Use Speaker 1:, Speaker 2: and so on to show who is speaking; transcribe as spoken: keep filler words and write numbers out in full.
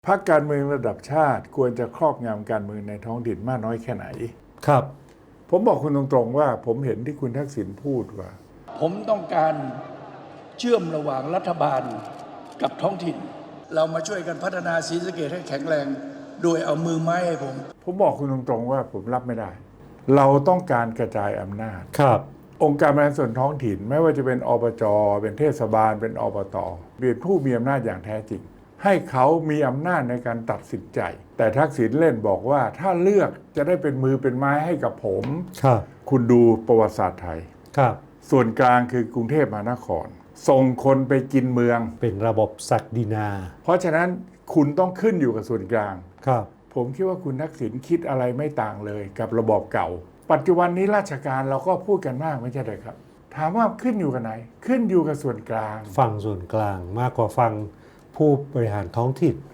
Speaker 1: พรรคการเมืองระดับชาติควรจะครอบงำการเมืองในท้องถิ่นมากน้อยแค่ไหน
Speaker 2: ครับ
Speaker 1: ผมบอกคุณตรงๆว่าผมเห็นที่คุณทักษิณพูดว่า
Speaker 3: ผมต้องการเชื่อมระหว่างรัฐบาลกับท้องถิ่น เรามาช่วยกันพัฒนาศรีสะเกษให้แข็งแรงโดยเอามือไม้ให้ผม
Speaker 1: ผมบอกคุณตรงๆว่าผมรับไม่ได้ เราต้องการกระจายอำนาจ
Speaker 2: ครับ
Speaker 1: องค์การบริหารส่วนท้องถิ่นไม่ว่าจะเป็นอบจเป็นเทศบาลเป็นอบตเป็นผู้มีอำนาจอย่างแท้จริง ให้เขามีอำนาจในการตัดสินใจ แต่ทักษิณเล่นบอกว่าถ้าเลือกจะได้เป็นมือเป็นไม้ให้กับผม
Speaker 2: ครับ
Speaker 1: คุณดูประวัติศาสตร์ไทย
Speaker 2: ครับ
Speaker 1: ส่วนกลางคือกรุงเทพมหานคร ส่งคนไปกินเมือง
Speaker 2: เป็นระบบศักดินา
Speaker 1: เพราะฉะนั้นคุณต้องขึ้นอยู่กับส่วนกลาง
Speaker 2: ครับ
Speaker 1: ผมคิดว่าคุณทักษิณคิดอะไรไม่ต่างเลยกับระบอบเก่า ปัจจุบันนี้ราชการเราก็พูดกันมากไม่ใช่เลยครับ ถามว่าขึ้นอยู่กับไหน ขึ้นอยู่กับส่วนกลาง
Speaker 2: ฟังส่วนกลางมากกว่าฟังผู้บริหารท้องถิ่น